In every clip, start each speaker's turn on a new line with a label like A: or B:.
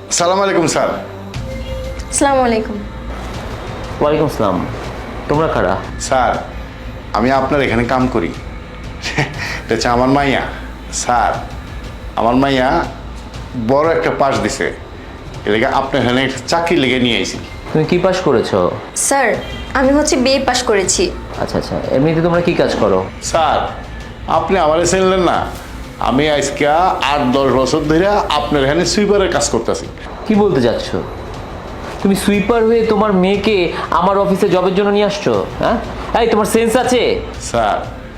A: সালাম আলাইকুম স্যার।
B: আসসালামু আলাইকুম।
C: ওয়ালাইকুম আসসালাম। তোমরা কারা?
A: স্যার আমি আপনার এখানে কাম করি। এটা হচ্ছে আমার মাইয়া। স্যার আমার মাইয়া বড় একটা পাস দিছে, এলাকা আপনার এখানে একটা চাকরি লেগে নিয়ে আইছি।
C: তুমি কি পাস করেছো?
B: স্যার আমি হচ্ছে বিএ পাশ করেছি।
C: আচ্ছা আচ্ছা, এমনিতে তোমরা কি কাজ করো?
A: স্যার আপনি আমারে চিনলেন না? আমি আজকে 8-10 বছর ধরে আপনার এখানে সুইপারের কাজ করতেছি।
C: কি বলতে যাচ্ছ? তুমি সুইপার হয়ে তোমার মেয়েকে আমার অফিসে জবের জন্য নিয়ে আসছো? হ্যাঁ, এই তোমার সেন্স আছে?
A: স্যার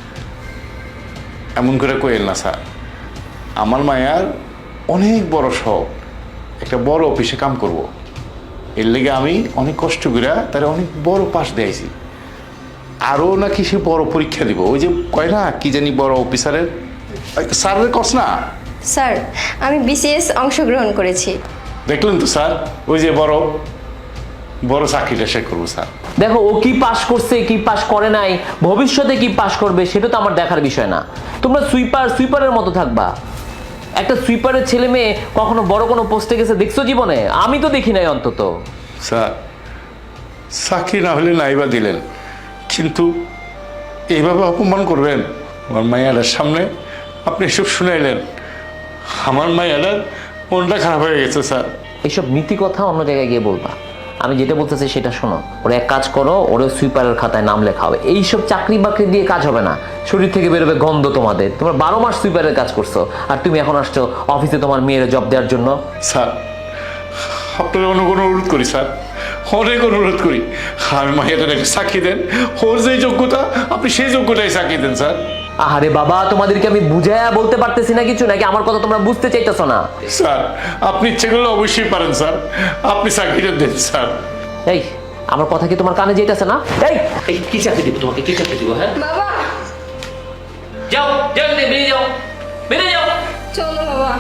A: এমন করে কইেন না স্যার, আমার মায়ার অনেক বড় শখ, একটা বড় অফিসে কাম করব। এর লেগে আমি অনেক কষ্ট করে তার অনেক বড় পাস দিয়েছি। আরও নাকি সে বড় পরীক্ষা দিব, ওই যে কয় না কি জানি বড় অফিসারের স্যারের কস না।
B: স্যার আমি বিসিএস অংশগ্রহণ করেছি।
A: দেখলেন তো স্যার, ওই যে বড় বড় চাকরিটা সে করবো স্যার।
C: দেখো, ও কি পাস করছে কি পাস করে নাই, ভবিষ্যতে কি পাস করবে সেটা তো আমার দেখার বিষয় না। তোমরা সুইপারের মতো থাকবা। একটা সুইপারের ছেলে মেয়ে কখনো বড় কোনো পোস্টে গেছে দেখছো জীবনে? আমি তো দেখি নাই অন্তত।
A: স্যার চাকরি না হলে নাইবা দিলেন, কিন্তু এইভাবে অপমান করবেন আমার মাইয়াটার সামনে? আপনি এসব শুনাইলেন, আমার মাইয়াটার মনটা খারাপ হয়ে গেছে স্যার।
C: এইসব নীতি কথা অন্য জায়গায় গিয়ে বলবা। আমি যেটা বলতেছি সেটা শোনো। ওরা এক কাজ করো, ওরা সুইপারের খাতায় নাম লেখা হবে। এইসব চাকরি বাকরি দিয়ে কাজ হবে না, শরীর থেকে বেরোবে গন্ধ তোমাদের। তোমরা 12 মাস সুইপারের কাজ করছো, আর তুমি এখন আসছো অফিসে তোমার মেয়ের জব দেওয়ার জন্য।
A: স্যার আপনার অনেক অনুরোধ করি স্যার, অনেক অনুরোধ করি, আমি মাইয়াটার একটা চাকরি দেন। ওর যে যোগ্যতা আপনি সেই যোগ্যতায় চাকরি দেন স্যার।
C: আরে বাবা, তোমাদেরকে আমি বুঝায়া বলতে পারতেছি না কিছু, নাকি আমার কথা তোমরা বুঝতে চাইতেছো না?
A: স্যার আপনি ইচ্ছে করলে অবশ্যই পারেন স্যার, আপনি চাকরিটা দেন স্যার।
C: এই, আমার কথা কি তোমার কানে যেতেছে না? এই এই কি চাকরি দিব তোমাকে? কি চাকরি দিব? হ্যাঁ,
B: বাবা
C: যাও যাও, বেরিয়ে যাও, বেরিয়ে যাও।
B: চলো বাবা।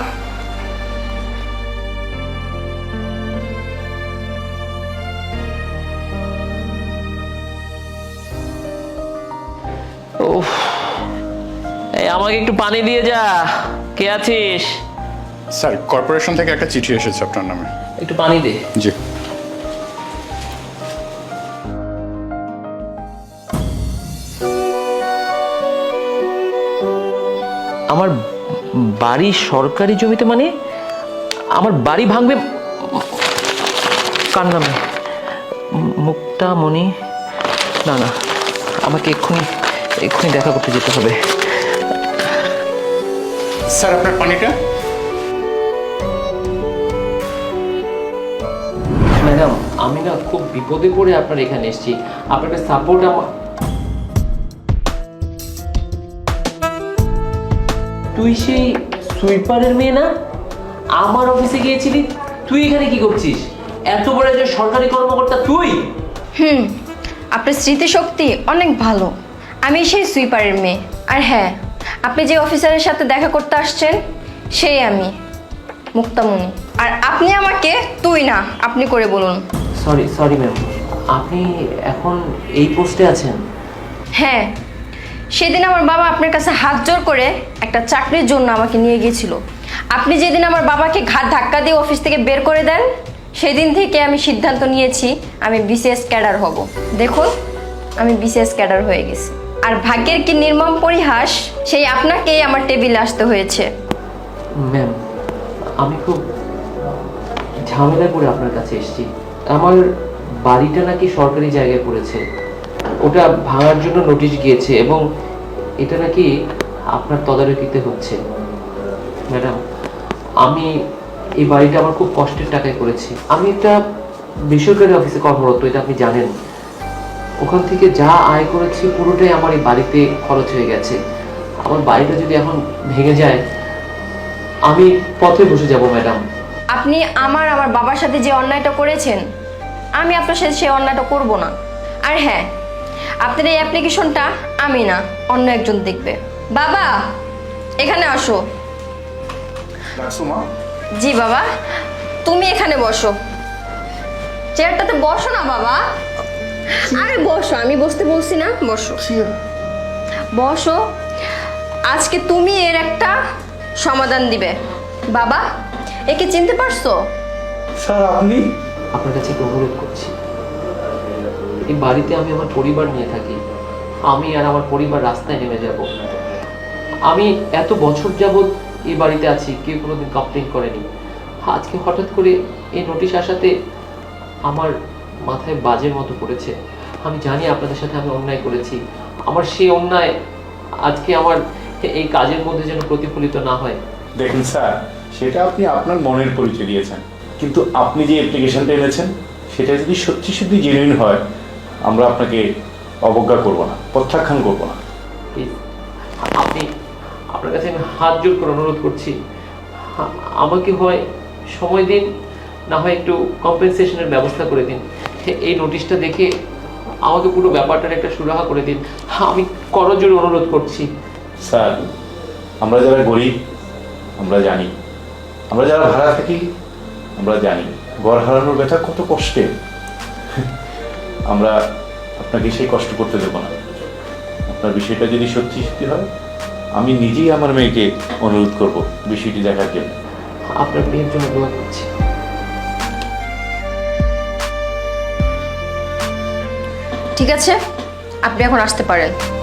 C: উফ, এই আমাকে একটু পানি দিয়ে যা। কে আছিস?
D: স্যার কর্পোরেশন থেকে একটা চিঠি এসেছে আপনার নামে।
C: একটু পানি দে।
D: জি।
C: আমার বাড়ি সরকারি জমিতে, মানে আমার বাড়ি ভাঙবে? কার নামে? মুক্তামণি? না না, আমাকে এক্ষুনি দেখা করতে যেতে হবে।
D: স্যার আপনার পানিটা।
C: ম্যাডাম, আমি না খুব বিপদে পড়ে আপনার এখানে এসেছি। আপনার সাপোর্ট আমার। তুই সেই সুইপারের মেয়ে না? আমার অফিসে গিয়েছিলি, তুই এখানে কি করছিস? এত বড় একজন সরকারি কর্মকর্তা তুই?
B: আপনার স্মৃতিশক্তি অনেক ভালো। আমি সেই সুইপারের মেয়ে। আর হ্যাঁ, আপনি যে অফিসারের সাথে দেখা করতে আসছেন সেই আমি, মুক্তামণি। আর আপনি আমাকে তুই না আপনি করে বলুন।
C: সরি ম্যাম, আপনি এখন এই পোস্টে আছেন?
B: হ্যাঁ, সেদিন আমার বাবা আপনার কাছে হাত জোর করে একটা চাকরির জন্য আমাকে নিয়ে গিয়েছিল। আপনি যেদিন আমার বাবাকে ঘাট ধাক্কা দিয়ে অফিস থেকে বের করে দেন, সেই দিন থেকে আমি সিদ্ধান্ত নিয়েছি আমি বিসিএস ক্যাডার হব। দেখুন, আমি বিসিএস ক্যাডার হয়ে গেছি। আর ভাগ্যের কি নির্মম পরিহাস, সেই আপনাকেই আমার টেবিলে আসতে হয়েছে।
C: ম্যাম, আমি খুব ঝামেলা করে আপনার কাছে এসেছি। আমার বাড়িটা নাকি সরকারি জায়গায় পড়েছে, ওটা ভাঙার জন্য নোটিশ গিয়েছে এবং এটা নাকি আপনার তদারকিতে হচ্ছে। ম্যাডাম, আমি এই বাড়িটা আমার খুব কষ্টের টাকায় করেছি। আমি একটা বেসরকারি অফিসে কর্মরত, এটা আপনি জানেন। ওখান থেকে যা আয় করেছি পুরোটাই আমার এই বাড়িতে খরচ হয়ে গেছে। আমার বাড়িটা যদি এখন ভেঙে যায়, আমি পথে বসে যাব ম্যাডাম।
B: আপনি আমার বাবার সাথে যে অন্যায়টা করেছেন, আমি আপনার সাথে সেই অন্যায়টা করব না। আর হ্যাঁ, আপনার এই অ্যাপ্লিকেশনটা আমি না অন্য একজন দেখবে। বাবা এখানে আসো। জি বাবা, তুমি এখানে বসো। চেয়ারটাতে বসো না বাবা। আরে বসো, আমি বসতে বলছি না, বসো বসো। আজকে তুমি এর একটা সমাধান দিবে। বাবা, একে চিনতে পারছো?
A: স্যার আপনি
C: আপনার কাছে একটা অনুরোধ করছি, এই বাড়িতে আমি আমার পরিবার নিয়ে থাকি, আমি আর আমার পরিবার রাস্তায় নেমে যাব। আমি এত বছর যাবৎ এই বাড়িতে আছি, কেউ কোনোদিন কমপ্লেন করেনি। আজকে হঠাৎ করে এই নোটিশ আসাতে আমার মাথায় বাজের মতো পড়েছে। আমি জানি আপনাদের সাথে আমি অন্যায় করেছি, আমার সেই অন্যায় আজকে আমার এই কাজের মধ্যে যেন প্রতিফলিত না হয়।
A: দেখুন স্যার, সেটা আপনি আপনার মনের পরিচয় দিয়েছেন, কিন্তু আপনি যে অ্যাপ্লিকেশনটা এনেছেন সেটা যদি সত্যি সত্যি জেনুইন হয়, আমরা আপনাকে অবজ্ঞা করব না, প্রত্যাখ্যান করব না।
C: প্লিজ, আপনি, আপনার কাছে আমি হাত জোর করে অনুরোধ করছি, আমাকে হয় সময় দিন, না হয় একটু কম্পেনসেশনের ব্যবস্থা করে দিন। এই নোটিশটা দেখে আমাকে পুরো ব্যাপারটার একটা সুরাহা করে দিন, আমি করজোড়ে অনুরোধ করছি।
A: স্যার, আমরা যারা গরিব আমরা জানি, আমরা যারা ভাড়া থাকি আমরা জানি ঘর হারানোর ব্যথা কত কষ্টে। আমরা আপনাকে সেই কষ্ট করতে দেবো না। আপনার বিষয়টা যদি সত্যি সত্যি হয়, আমি নিজেই আমার মেয়েকে অনুরোধ করব বিষয়টি দেখার জন্য।
C: আপনার মেয়ের জন্য দোয়া করছি।
B: ঠিক আছে, আপনি এখন আসতে পারেন।